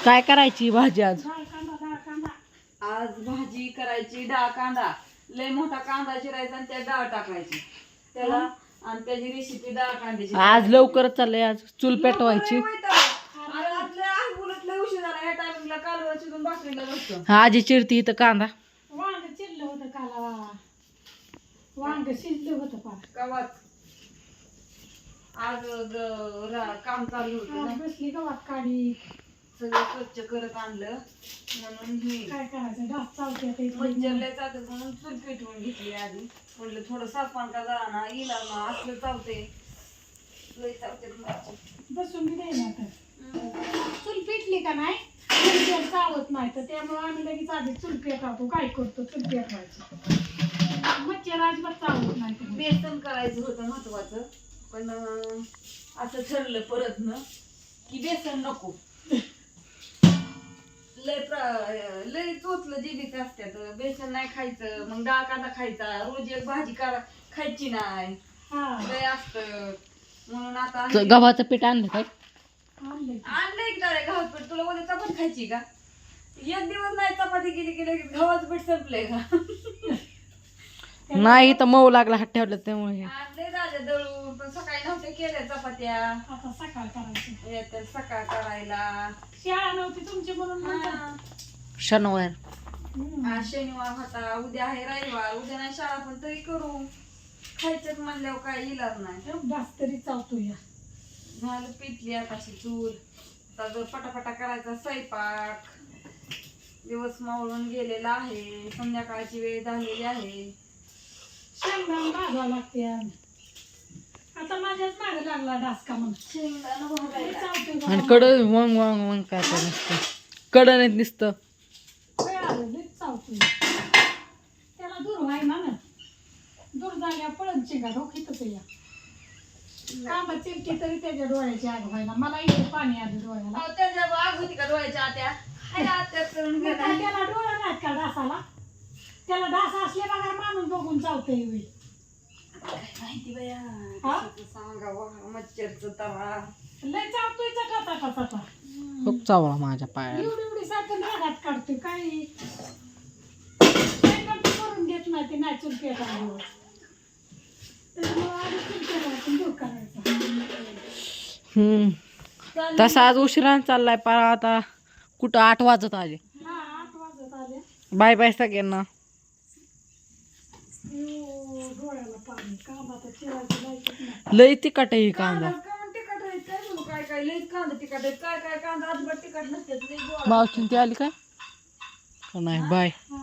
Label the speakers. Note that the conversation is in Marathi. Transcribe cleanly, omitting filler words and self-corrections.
Speaker 1: काय करायची भाजी आज?
Speaker 2: आज भाजी करायची डाळ कांदा. लय मोठा कांदा चिरायचा आणि त्यात डाळ टाकायची त्याला आणि त्याची रेसिपी डाळ कांद्याची.
Speaker 1: आज लवकरच चाललंय. आज चूल पेटवायची.
Speaker 2: उशीर झाला ह्या टायमिंगला कालवण शिजून भाकरीला बसतो.
Speaker 1: आजी चिरती इथं कांदा.
Speaker 3: वांग चिरलं होतं काला. वांग शिजलं होतं पार.
Speaker 2: कवाच आज काम चालू होतं ना.
Speaker 3: बसली गवात काढी.
Speaker 2: सगळं स्वच्छ करत आणलं म्हणून हे
Speaker 3: काय करायचं डास चालते
Speaker 2: मच्छरला चालत म्हणून चूल पेटवून घेतली आधी. म्हटलं थोडं साफण का जरा ना इला ना असलं चालते लय चालते.
Speaker 3: बसून बी नाही ना आता. चूल पेटली का नाही चूल चावत नाही तर त्यामुळे आम्ही लगेच आधी चूल पेटवतो. काय करतो चूल पेटवायची. मच्छर अजिबात चावत नाही.
Speaker 2: बेसन करायचं होतं महत्वाचं पण असं ठरलं परत न की बेसन नको. लय चोचलं जीबीच असत्यात. बेसन नाही खायचं मग डाळ कांदा खायचा. रोज एक भाजी खायची नाही लय असत म्हणून आता
Speaker 1: गव्हाचं पीठ आणलं काय?
Speaker 2: आणलंय की डाळे गव्हाचं पीठ. तुला उद्या चपाती खायची का? एक दिवस नाही चपाती केली की लगेच गव्हाचं पीठ संपलंय का?
Speaker 1: नाही तर मऊ लागला हात ठेवलं त्यामुळे.
Speaker 2: आणले राजा दळून पण सकाळी नव्हत्या केल्या चपात्या.
Speaker 3: आता सकाळ करायची.
Speaker 2: येत्या सकाळ करायला.
Speaker 3: शाळा नव्हती तुमची म्हणून
Speaker 1: शनिवार.
Speaker 2: आज शनिवार होता. उद्या आहे रविवार. उद्या नाही शाळा पण तरी करू. खायचंच म्हणल्यावर काय इलाज नाही.
Speaker 3: डास तरी चावतो या.
Speaker 2: झालं पिटली आताशी चूल. आता जर पटापटा करायचा स्वयंपाक. दिवस मावळून गेलेला आहे. संध्याकाळची वेळ झालेली आहे.
Speaker 3: शेंगदाणा भाजावं लागते. आता माझ्याच मागे लागला डास का म्हणून.
Speaker 2: शेंगदाणा भाजायला.
Speaker 3: चावतो
Speaker 1: आणि कड वंग वंग वंग काय तर नुसतं कडणीत नुसतं.
Speaker 3: चावतो त्याला दूर व्हाय ना दूर झाल्या पळून चिंगा डोकीतच या. कांदा चिमटी तरी त्याच्या डोळ्याची आग व्हायला. मला इथे पाणी आलं डोळ्याला.
Speaker 2: अहो, त्याच्या आग होती का डोळ्याच्या आत्या? हाय आत्या करून
Speaker 3: मग
Speaker 2: गेला.
Speaker 3: काय त्याला डोळा नाहीत का डासाला? त्याला डास असले बघा माणूस बघून चावतोय वेळ.
Speaker 2: काय माहिती बया.
Speaker 3: हा?
Speaker 2: कशाचं सांगावं मच्छरचं तवा.
Speaker 3: लय चावतोय चटा चटा चटा.
Speaker 1: खूप चावला माझ्या पायाला.
Speaker 3: एवढी एवढी साखर रागात काढतोय. काही करून देत नाही ते नाही चूल पेटावर. त्याच्यामुळे आधी चूल पेटावर दूर करायचं.
Speaker 1: तसा आज उशिराने चाललाय पार. आता कुठं 8 वाजत आले.
Speaker 3: 8 वाजत आले.
Speaker 1: बाय बाय सगळ्यांना.
Speaker 3: डोळ्याला पाणी. कांदा तर चिरायचं लायकीच नाही.
Speaker 1: लय तिखट आहे ही कांदा.
Speaker 2: कांदा तिखट आहेत काय बोलू. काय काय लईच कांदा तिखट आहेत. काय काय कांदा अजिबात तिखट नसते.
Speaker 1: मावशीन ती आली काय? नाही बाय.